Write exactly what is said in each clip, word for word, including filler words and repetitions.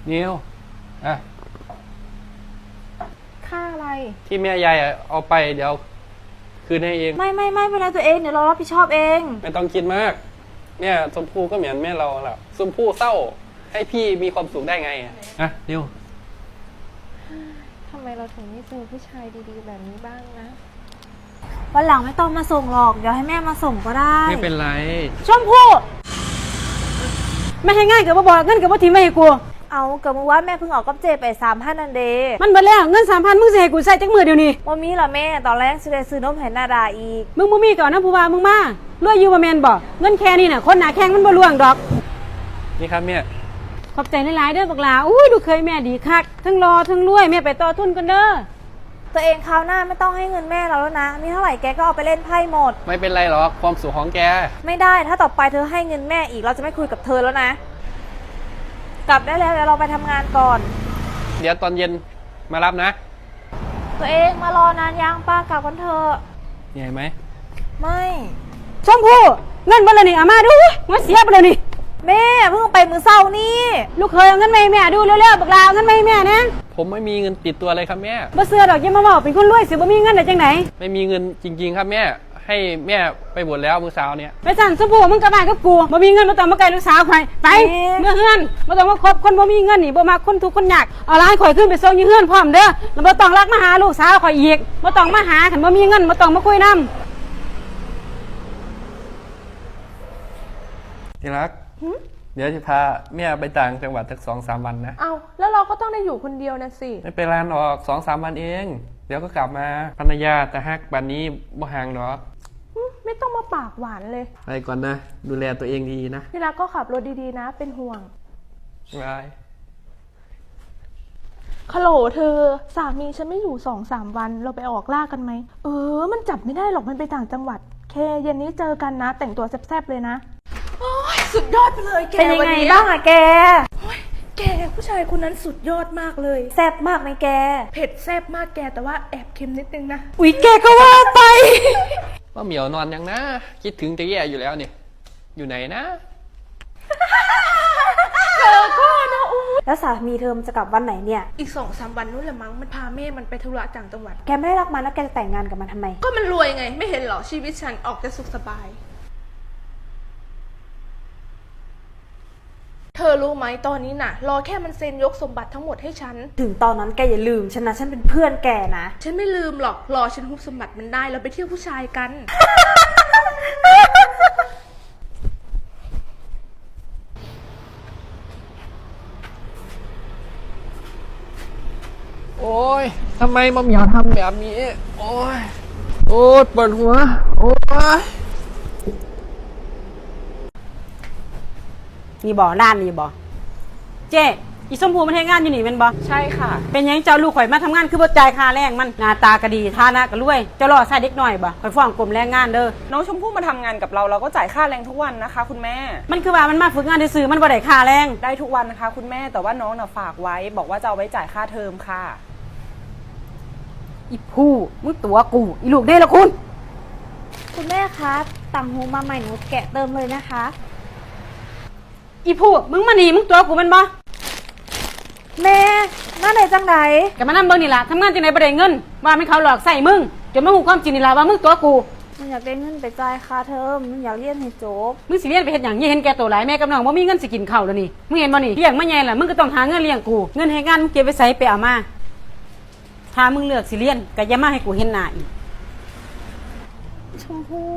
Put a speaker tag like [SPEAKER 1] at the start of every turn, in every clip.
[SPEAKER 1] นิวอ่ะ
[SPEAKER 2] ค่าอะไร
[SPEAKER 1] ที่แม่ยายเอาไปเดี๋ยวคืนให้เอง
[SPEAKER 3] ไม่ไม่ไม่เป็นไรตัวเองเดี๋ยวเรารับผิดชอบเอง
[SPEAKER 1] ไม่ต้องคิดมากเนี่ยชมพู่ก็เหมือนแม่เราแหละชมพู่เศร้าให้พี่มีความสุขได้ไงอ่ะนิว
[SPEAKER 2] ทำไมเราถึงไม่เจอผู้ชายดีๆแบบนี้บ้างนะ
[SPEAKER 3] วันหลังไม่ต้องมาส่งหรอกเดี๋ยวให้แม่มาส่งก็ได้
[SPEAKER 1] ไม่เป็นไร
[SPEAKER 4] ชมพู่ไม่ให้ง่ายกับบ่บอกเงินกับบ่ทีไม่ให้กู
[SPEAKER 3] เอาเกิดเมื่อวานแม่เพิ่งออกกับเจไปสามพันนันเด
[SPEAKER 4] มันเบิดแล้วเงินสามพันมึงจะให้กูใส่จักมือเดียวนี้
[SPEAKER 3] ว่ามีเหรอแม่ตอนแรกซื้อได้ซื้อนมให้นาดาอีก
[SPEAKER 4] มึงบ่มีก่อนนะผู้ว่ามึงมารวยอยู่บ่แม่นบ่เงินแค่นี้น่ะคนหน้าแข้งมันบ่ล่วงดอก
[SPEAKER 1] นี่ครับแม่
[SPEAKER 4] ขอบใจหลายๆเด้อบักหลาอุ้ยดูเคยแม่ดีคักทั้งรอทั้งรวยแม่ไปต่อทุนกันเด้อ
[SPEAKER 3] ตัวเองคราวหน้าไม่ต้องให้เงินแม่เราแล้วนะมีเท่าไหร่แกก็เอาไปเล่นไพ่หมด
[SPEAKER 1] ไม่เป็นไรหรอกความสุขของแก
[SPEAKER 3] ไม่ได้ถ้าต่อไปเธอให้เงินแม่อีกเราจะไม่คุยกับเธอแล้วนะกลับได้แล้วเดี๋ยวเราไปทำงานก่อน
[SPEAKER 1] เดี๋ยวตอนเย็นมารับนะ
[SPEAKER 3] ตัวเองมารอนานยังป้ากลับกันเถอะ
[SPEAKER 1] เหนื่อยไหม
[SPEAKER 3] ไม่
[SPEAKER 4] ชมพู่เงินบ่ละนี่เอามาดูมันเสียไปเลยนี่
[SPEAKER 3] แม่เพิ่งไปมือเศร้านี่
[SPEAKER 4] ลูกเคยเอาเงินมาให้แม่ดูเร็วๆบักลาเอาเงินมาให้แม่นะ
[SPEAKER 1] ผมไม่มีเงินติดตัวเลยครับแม่
[SPEAKER 4] บ่เสือดอกอย่ามาบอกเป็นคนรวยสิบ่มีเงินได้จังไหน
[SPEAKER 1] ไม่มีเงินจริงๆครับแม่ให้แม่ไปบวชแล้วมื้อเช้าเนี่ย
[SPEAKER 4] ไปสั่งชมพู่มึงกลับบ้านกับกูบ่มีเงินบ่ต้องมาไกลลูกสาวข่อยไปเมื่อเฮือนบ่ต้องมาคบคนบ่มีเงินนี่บ่มักคนทุกข์คนยากเอาหลานข่อยขึ้นไปส่งอยู่เฮือนพร้อมเด้อแล้วบ่ต้องรักมาหาลูกสาวข่อยอีกบ่ต้องมาหาคันบ่มีเงินบ่ต้องมาคุยนำ
[SPEAKER 1] ที่รักเดี๋ยวจะพาแม่ไปต่างจังหวัดสักสองสามวันนะ
[SPEAKER 2] เอาแล้วเราก็ต้องได้อยู่คนเดียวนะสิ
[SPEAKER 1] ไม่เป็นไรหรอกสองสามวันเองเดี๋ยวก็กลับมาภรรยาแต่ฮักบัดนี้บ่ห่างหรอก
[SPEAKER 2] ไม่ต้องมาปากหวานเลย
[SPEAKER 1] ไปก่อนนะดูแลตัวเองดีนะ
[SPEAKER 2] พี่รักก็ขับรถดีๆนะเป็นห่วง
[SPEAKER 1] บาย
[SPEAKER 2] ฮัลโหลเธอสามีฉันไม่อยู่สองสามวันเราไปออกล่ากันไหมเออมันจับไม่ได้หรอกมันไปต่างจังหวัดเคเย็นนี้เจอกันนะแต่งตัวแซ่บๆเลยนะโอ้ยสุดยอดไปเลยแก
[SPEAKER 3] เป็นยังไงบ้างอะแก
[SPEAKER 2] โอ้ยแกผู้ชายคนนั้นสุดยอดมากเลย
[SPEAKER 3] แซ่บมากไหมแก
[SPEAKER 2] เผ็ดแซ่บมากแกแต่ว่าแอบเค็มนิดนึงนะ
[SPEAKER 4] อุ๊ยแกก็ว่าไป
[SPEAKER 1] ว่าเหมียวนอนยังนะคิดถึงจะแย่อยู่แล้วเนี่ยอยู่ไหนนะ
[SPEAKER 2] เธอก็นะอู้
[SPEAKER 3] แล้วสามีเธอมันจะกลับวันไหนเนี่ย
[SPEAKER 2] อีกสองสามวันนู้นแหละมั้งมันพาแม่มันไปธุระต่างจังหวัด
[SPEAKER 3] แกไม่ได้รักมันแล้วแกจะแต่งงานกับมันทำไม
[SPEAKER 2] ก็มันรวยไงไม่เห็นหรอชีวิตฉันออกจะสุขสบายเธอรู้ไหมตอนนี้น่ะรอแค่มันเซ็นยกสมบัติทั้งหมดให้ฉัน
[SPEAKER 3] ถึงตอนนั้นแกอย่าลืมฉันนะฉันเป็นเพื่อนแกนะ
[SPEAKER 2] ฉันไม่ลืมหรอกรอฉันฮุบสมบัติมันได้แล้วไปเที่ยวผู้ชายกัน
[SPEAKER 1] โอ้ยทำไมมะเหมียวทำแบบนี้โอ้ยโอ้ยปวดหัวโอ้ย
[SPEAKER 4] นี่บ่ร้านนี่บ่เจ๊อีสมพูมันให้งานอยู่นี่แม่นบ่
[SPEAKER 2] ใช่ค่ะ
[SPEAKER 4] เป็นยังเจ้าลูกข่อยมาทำงานคือบ่จ่ายค่าแรงมันหน้าตาก็ดีฐานะก็รวยเจ้ารอใส่เด็กน้อยบ่ข่อยฟ้องกรมแรงงานเด้อ
[SPEAKER 5] น้องชมพู่มาทำงานกับเราเราก็จ่ายค่าแรงทุกวันนะคะคุณแม่
[SPEAKER 4] มันคือว่ามันมาฝึกงานซื่อๆมันบ่ได้ค่าแรง
[SPEAKER 5] ได้ทุกวันนะคะคุณแม่แต่ว่าน้องน่ะฝากไว้บอกว่าจะเอาไว้จ่ายค่าเทอมค่ะ
[SPEAKER 4] อีผู้มึงตัวกูอีลูกเด้ละคุณ
[SPEAKER 3] คุณแม่คะต่างหูมาใหม่หนูแกะเติมเลยนะคะ
[SPEAKER 4] อีผู้มึงมานี่มึงตัวกูมันบ่
[SPEAKER 3] แม่มาไหนจังไหน
[SPEAKER 4] ก็มานั่งเบิ่งนี่ล่ะทำงานจังได๋บ่ได้เงินว่ามันเขาหลอกใส่มึงจนมาฮู้ความจริงนี่ล่ะว่ามึงตัวกู
[SPEAKER 3] มันอยากได้เงินไปจ่ายค่าเทอมมันอยากเรียนให้จบ
[SPEAKER 4] มึงสิเรียนไปเฮ็ดหยังอย่าเห็นแก่ตัวหลายแม่กับน้องบ่มีเงินสิกินข้าวแล้วนี่มึงเห็นบ่นี่เลี้ยงมาใหญ่ล่ะมึงก็ต้องหาเงินเลี้ยงกูเงินให้งานมึงเก็บไว้ใส่ไปเอามาถ้ามึงเลือกสิเรียนก็อย่ามาให้กูเห็นหน้าอีก
[SPEAKER 3] ชมพู่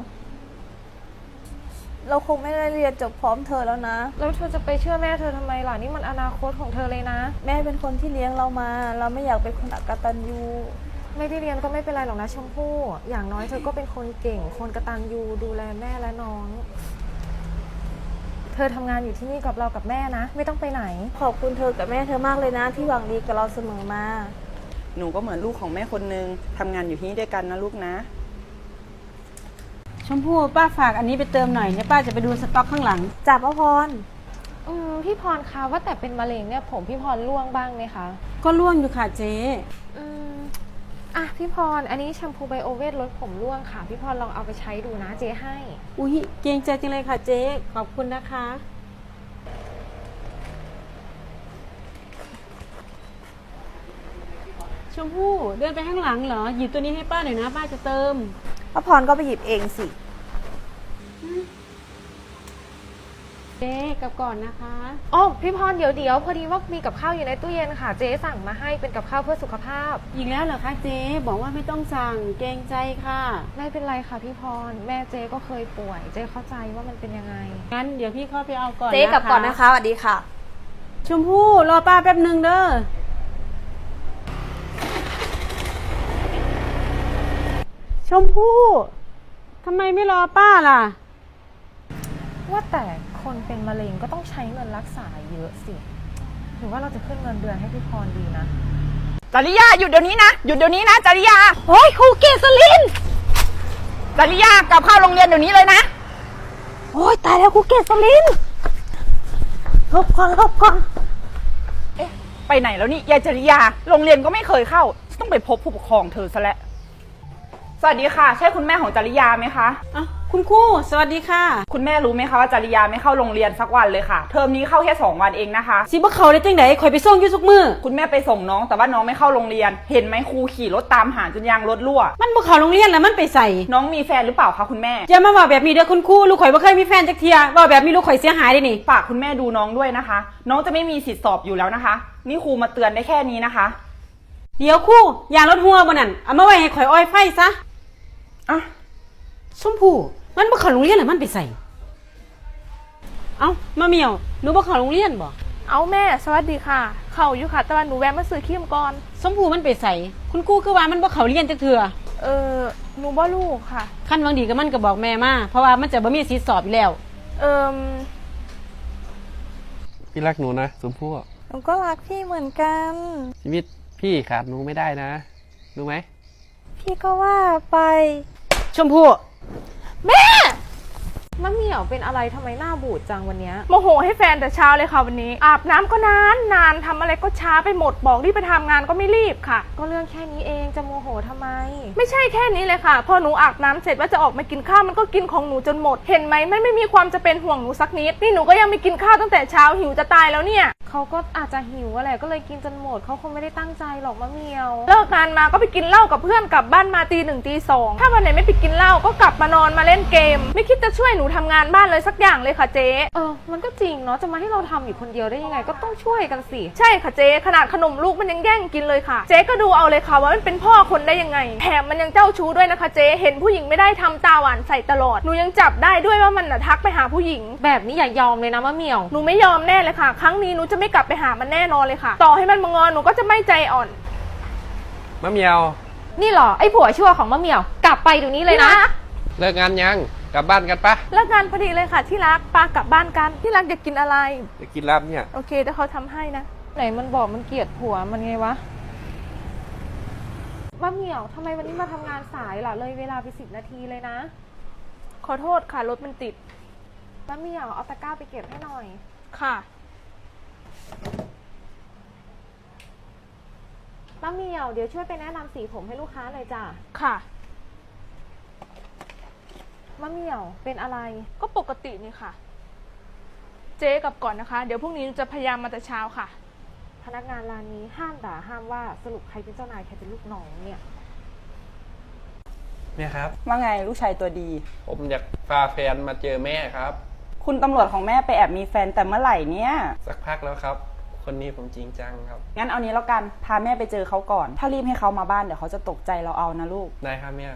[SPEAKER 3] เราคงไม่ได้เรียนจบพร้อมเธอแล้วนะ
[SPEAKER 2] แล้วเธอจะไปเชื่อแม่เธอทำไมล่ะนี่มันอนาคตของเธอเลยนะ
[SPEAKER 3] แม่เป็นคนที่เลี้ยงเรามาเราไม่อยากเป็นคนอกตัญญู
[SPEAKER 2] ไม่ได้เรียนก็ไม่เป็นไรหรอกนะชมพู่อย่างน้อยเธอก็เป็นคนเก่งคนกตัญญูดูแลแม่และน้องเธอทำงานอยู่ที่นี่กับเรากับแม่นะไม่ต้องไปไหน
[SPEAKER 3] ขอบคุณเธอกับแม่เธอมากเลยนะที่หวังดีกับเราเสมอมา
[SPEAKER 5] หนูก็เหมือนลูกของแม่คนนึงทำงานอยู่ที่นี่ด้วยกันนะลูกนะ
[SPEAKER 4] ชมพู่ป้าฝากอันนี้ไปเติมหน่อยเนี่ยป้าจะไปดูสต็อกข้างหลัง
[SPEAKER 3] จับป้าพร
[SPEAKER 2] อืมพี่พรคะว่าแต่เป็นมะเร็งเนี่ยผมพี่พรร่วงบ้างไหมคะ
[SPEAKER 4] ก็ร่วงอยู่ค่ะเจ๊
[SPEAKER 2] อืมอ่ะพี่พรอันนี้แชมพูไบโอเวทลดผมร่วงค่ะพี่พรลองเอาไปใช้ดูนะเจ๊ให้
[SPEAKER 4] อุ้ยเกรงใจจริงเลยค่ะเจ๊ขอบคุณนะคะชมพู่เดินไปข้างหลังเหรอหยิบตัวนี้ให้ป้าหน่อยนะป้าจะเติม
[SPEAKER 3] ป้าพรก็ไปหยิบเองสิ
[SPEAKER 4] เจ๊กลับก่อนนะคะ
[SPEAKER 2] อ๋อพี่พรเดี๋ยวเดี๋ยวพอดีว่ามีกับข้าวอยู่ในตู้เย็นค่ะ เจ๊สั่งมาให้เป็นกับข้าวเพื่อสุขภาพ
[SPEAKER 4] อีกแล้วเหรอคะเจ๊บอกว่าไม่ต้องสั่งเกรงใจค่ะ
[SPEAKER 2] ไม่เป็นไรค่ะพี่พรแม่เจ๊ก็เคยป่วย เจ๊เข้าใจว่ามันเป็นยังไง
[SPEAKER 4] งั้นเดี๋ยวพี่เข้าไปเอาก่อน
[SPEAKER 3] เจ๊กลับก่อนนะคะสวัสดีค่ะ
[SPEAKER 4] ชมพู่รอป้าแป๊บหนึ่งเด้อชมพู่ทำไมไม่รอป้าล่ะ
[SPEAKER 2] ว่าแต่คนเป็นมะเร็งก็ต้องใช้เงินรักษาเยอะสิหรือว่าเราจะขึ้นเงินเดือนให้พี่พรดีนะ
[SPEAKER 5] จริยาหยุดเดี๋ยวนี้นะหยุดเดี๋ยวนี้นะจริยา
[SPEAKER 3] โอ้ยครูเกษลิน
[SPEAKER 5] จริยากลับเข้าโรงเรียนเดี๋ยวนี้เลยนะ
[SPEAKER 3] โอ้ยตายแล้วครูเกษลินหลบก่อนหลบก่อน
[SPEAKER 5] เอ๊ะไปไหนแล้วนี่ยายจริยาโรงเรียนก็ไม่เคยเข้าต้องไปพบผู้ปกครองเธอซะแล้วสวัสดีค่ะใช่คุณแม่ของจริยาไหมคะ
[SPEAKER 4] อ่ะคุณครูสวัสดีค่ะ
[SPEAKER 5] คุณแม่รู้ไหมคะว่าจริยาไม่เข้าโรงเรียนสักวันเลยค่ะเทอมนี้เข้าแค่สองวันเองนะคะ
[SPEAKER 4] สิบ่เขาได้จังไดข่อยไปส่งอยู่ทุกมื้อ
[SPEAKER 5] คุณแม่ไปส่งน้องแต่ว่าน้องไม่เข้าโรงเรียน เห็นไหมครูขี่รถตามหาจนยางรถรั่ว
[SPEAKER 4] มันบ่เข้าโรงเรียนแล้วมันไปใส่
[SPEAKER 5] น้องมีแฟนหรือเปล่าคะคุณแม่
[SPEAKER 4] อย่ามาว่าแบบนี้เด้อคุณครูลูกข่อยบ่เคยมีแฟนจักเที่ยว่าแบบนี้ลูกข่อยเสียหายเด้นี่
[SPEAKER 5] ฝากคุณแม่ดูน้องด้วยนะคะ น้องจะไม่มีสิทธิ์สอบอยู่แล้วนะคะ นี่ครูมาเตือนได้แค่นี้นะคะ
[SPEAKER 4] เดี๋ยวครูยางรถหัวบ่นั่นเอามาไว้ให้ข่อยอ้อยไฟซะ
[SPEAKER 5] อ่ะ
[SPEAKER 4] ชมพู่มันบ่เข้าโรงเรียนแล้วมันไปใส่เอ้ามาเมียวหนูบ่เข้าโรงเรียนบ่
[SPEAKER 2] เอาแม่สวัสดีค่ะ เข้าอยู่ค่ะแต่ว่าหนูแวะมาซื้อครีมก่อน
[SPEAKER 4] ชมพู่มันไปใส่คุณครูคือว่ามันบ่เข้าเรียนจักเทื่อ
[SPEAKER 2] เออหนูบ่ลูกค่ะ
[SPEAKER 4] คันหวังดีก็มันก็บอกแม่มาเพราะว่ามันจะบ่มีสิทธิ์สอบอยู่แล้ว
[SPEAKER 2] เอิม
[SPEAKER 1] พี่รักหนูนะชมพู่
[SPEAKER 3] หนูก็รักพี่เหมือนกัน
[SPEAKER 1] ชีวิตพี่ขาดหนูไม่ได้นะรู้ไหม
[SPEAKER 3] พี่ก็ว่าไป
[SPEAKER 4] ชมพู่
[SPEAKER 2] แม่
[SPEAKER 3] มะเหมี่ยวเป็นอะไรทำไมหน้าบูดจังวันเนี้ย
[SPEAKER 2] โมโหให้แฟนแต่เช้าเลยค่ะวันนี้ อาบน้ำก็นานนานทำอะไรก็ช้าไปหมดบอกรีบไปทำงานก็ไม่รีบค่ะ
[SPEAKER 3] ก็เรื่องแค่นี้เองจะโมโหทำไม
[SPEAKER 2] ไม่ใช่แค่นี้เลยค่ะ พอหนูอาบน้ำเสร็จว่าจะออกมากินข้าวมันก็กินของหนูจนหมด เห็นไหมมันไม่มีความจะเป็นห่วงหนูสักนิด นี่หนูก็ยังไม่กินข้าวตั้งแต่เช้าหิวจะตายแล้วเนี่ย
[SPEAKER 3] เขาก็อาจจะหิวอะไรก็เลยกินจนหมดเขาคงไม่ได้ตั้งใจหรอกมะเหมี่ยว
[SPEAKER 2] เลิกงานมาก็ไปกินเหล้ากับเพื่อนกลับบ้านมาตีหนึ่งตีสองถ้าวันไหนไม่ไปกินเหล้าก็กลับมานอนมาเล่นเกม ไม่คิดจะช่วยหนูทำงานบ้านเลยสักอย่างเลยค่ะเจ๊
[SPEAKER 3] เออมันก็จริงเนาะจะมาให้เราทำอยู่คนเดียวได้ยังไงก็ต้องช่วยกันสิ
[SPEAKER 2] ใช่ค่ะเจ๊ขนาดขนมลูกมันยังแย่งกินเลยค่ะ เจ๊ก็ดูเอาเลยค่ะว่ามันเป็นพ่อคนได้ยังไงแถมมันยังเจ้าชู้ด้วยนะคะเจ๊เห็นผู้หญิงไม่ได้ทำตาหวานใส่ตลอดหนูยังจับได้ด้วยว่ามันน่ะทักไปหาผู้หญิง
[SPEAKER 3] แบบนี้อย่ายอมเลยนะมะเหมี่ยว
[SPEAKER 2] หนูไม่ยอมแน่เลยค่ะ ครั้งนี้หนูจะไม่กลับไปหามันแน่นอนเลยค่ะ ต่อให้มันมางอนหนูก็จะไม่ใจอ่อน
[SPEAKER 1] มะเมียว
[SPEAKER 3] นี่เหรอไอ้ผัวชั่วของมะเหมี่ยวกลับไปเดี๋ยวนี้เลยนะ
[SPEAKER 1] เลิกงานยังกลับบ้านกันปะ
[SPEAKER 2] เลิกงานพอดีเลยค่ะที่รักปากลับบ้านกันที่รักอยากกินอะไร
[SPEAKER 1] จะกินลาบเนี่ย
[SPEAKER 2] โอเคเดี๋ยวเขาทำให้นะ
[SPEAKER 3] ไหนมันบอกมันเกลียดผัวมันไงวะมะเหมี่ยวทำไมวันนี้มาทำงานสายล่ะเลยเวลาไปสิบนาทีเลยนะ
[SPEAKER 2] ขอโทษค่ะรถมันติด
[SPEAKER 3] มะเหมี่ยวเอาตะกร้าไปเก็บให้หน่อย
[SPEAKER 2] ค่ะ
[SPEAKER 3] มะเหมี่ยวเดี๋ยวช่วยไปแนะนำสีผมให้ลูกค้าหน่อยจ้ะ
[SPEAKER 2] ค่ะ
[SPEAKER 3] มะเหมี่ยวเป็นอะไร
[SPEAKER 2] ก็ปกตินี่ค่ะ เจ๊กลับก่อนนะคะ เดี๋ยวพรุ่งนี้หนูจะพยายามมาแต่เช้าค่ะ
[SPEAKER 3] พนักงานร้านนี้ห้ามด่าห้ามว่าสรุปใครเป็นเจ้านายใครเป็นลูกน้องเนี่ย
[SPEAKER 1] แม่ครับ
[SPEAKER 5] ว่าไงลูกชายตัวดี
[SPEAKER 1] ผมอยากพาแฟนมาเจอแม่ครับ
[SPEAKER 5] คุณตำรวจของแม่ไปแอบมีแฟนแต่เมื่อไหร่เนี่ย
[SPEAKER 1] สักพักแล้วครับ คนนี้ผมจริงจังครับ
[SPEAKER 5] งั้นเอานี้แล้วกันพาแม่ไปเจอเขาก่อน ถ้ารีบให้เขามาบ้านเดี๋ยวเขาจะตกใจเราเอานะลูก
[SPEAKER 1] ได้ครับแม่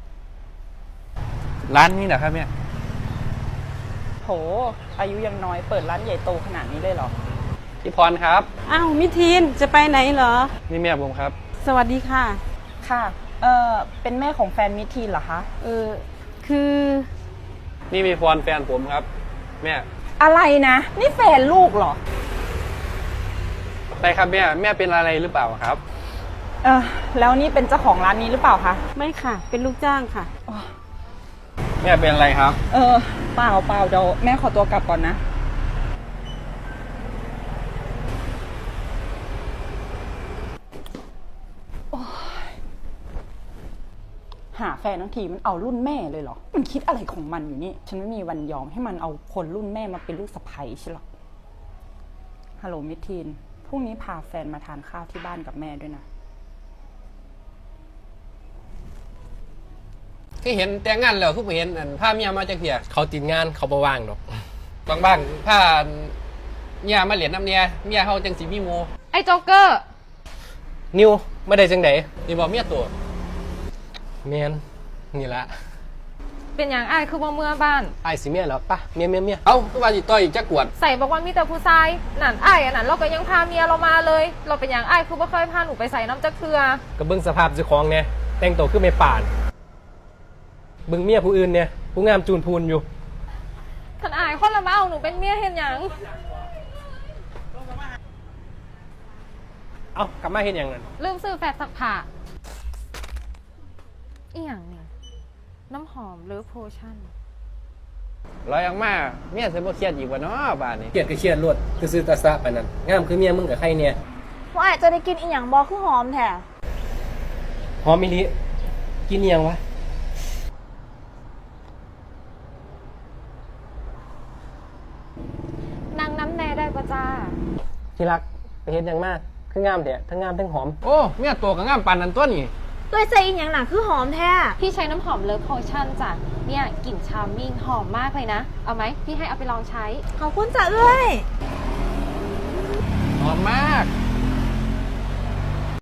[SPEAKER 1] ร้านนี้เหรอครับแม่
[SPEAKER 5] โหอายุยังน้อยเปิดร้านใหญ่โตขนาดนี้เลยเหรอ
[SPEAKER 1] พี่พรครับ
[SPEAKER 4] อ้าวมิทีนจะไปไหนเหรอ
[SPEAKER 1] นี่แม่ผมครับ
[SPEAKER 4] สวัสดีค่ะ
[SPEAKER 5] ค่ะเออเป็นแม่ของแฟนมิทีนเหรอคะ
[SPEAKER 4] เออคือ
[SPEAKER 1] นี่มีพรแฟนผมครับ แม่
[SPEAKER 5] อะไรนะนี่แฟนลูกเหรอ
[SPEAKER 1] ไปครับแม่แม่เป็นอะไรหรือเปล่าครับ
[SPEAKER 5] เออแล้วนี่เป็นเจ้าของร้านนี้หรือเปล่าคะ
[SPEAKER 4] ไม่ค่ะ เป็นลูกจ้างค่ะ
[SPEAKER 1] แม่เป็นอะไรครับ
[SPEAKER 5] เออเปล่าเปล่าเดี๋ยวแม่ขอตัวกลับก่อนนะโอ๊ยหาแฟนทั้งทีมันเอารุ่นแม่เลยเหรอ มันคิดอะไรของมันอยู่นี่ ฉันไม่มีวันยอมให้มันเอาคนรุ่นแม่มาเป็นลูกสะใภ้ใช่หรอฮัลโหลมิทีนพรุ่งนี้พาแฟนมาทานข้าวที่บ้านกับแม่ด้วยนะ
[SPEAKER 1] ที่เห็นแต่งงานแล้วทุกเห็นอันพาเมียมาจากเพีย
[SPEAKER 6] เขาติดงานเขาบ่ว่างดอก
[SPEAKER 1] บางบ้างพาเมียมาเหรียญน้ำเนียเมียเขาจังสีมีโม
[SPEAKER 3] ไอ้โจ๊กเกอร์
[SPEAKER 6] นิวไม่ได้จังได
[SPEAKER 1] นี่บอกเมียตัว
[SPEAKER 6] แมนนี่ละ
[SPEAKER 3] เป็นอย่างไอ้ายคือบ่เมื่อบ้าน
[SPEAKER 6] ไอ้ายสิเมียเหรอปะเมียเมียเมีย
[SPEAKER 1] เอ้าทุกวันจีต่อยจักกวด
[SPEAKER 3] ใส่บอกว่ามีแต่ผู้ชายนั่นไอ้ายอันนั้นเราก็ยังพาเมียเรามาเลย เราเป็นอย่างไอ้ายคือบ่เคยพาหนูไปใส่น้ำจักเทือ
[SPEAKER 6] ก็เบิ่งสภาพเจ้าของเนี่ยแต่งตัวคือไม่ป่านเบิ่งเมียผู้อื่นเนี่ยผู้งามจูนพูนอยู่
[SPEAKER 3] ท่านอายคนละมาเอาหนูเป็นเมียเห็นหยัง
[SPEAKER 6] เอ้ากลับมาเห็นอย่างนั้น
[SPEAKER 3] ลืมซื้อแฟบซักผ้าอีหยังนี่น้ำหอมหรือโพชั่น
[SPEAKER 1] ลอยออกมาเมียเสยบ่เครียดอีกวะเนาะบ้านนี้
[SPEAKER 6] เครียดก็เครียดรวดคือซื้อตาซะไปนั่นงามคือเมียมึงกับใครเนี่ย
[SPEAKER 3] ว่าอาจจะได้กินอีหยังบอคือหอมแท้
[SPEAKER 6] หอมมิลิกินเนียงวะ
[SPEAKER 3] นางน้ำแน่ได้ปะจ้า
[SPEAKER 6] ที่รักไปเห็นอย่างมากคืองามเถอะทั้งงามทั้งหอม
[SPEAKER 1] โอ้เมียตัวกับงามปานนั้นตัวนี่
[SPEAKER 3] ด้วยใจอีหยังหนักคือหอมแท้พี่ใช้น้ำหอมเลิฟโพชั่นจ้ะเนี่ยกลิ่นชาร์มมิ่งหอมมากเลยนะ เอาไหมพี่ให้เอาไปลองใช้ ขอบคุณจ้ะเอ้ย
[SPEAKER 1] หอมมาก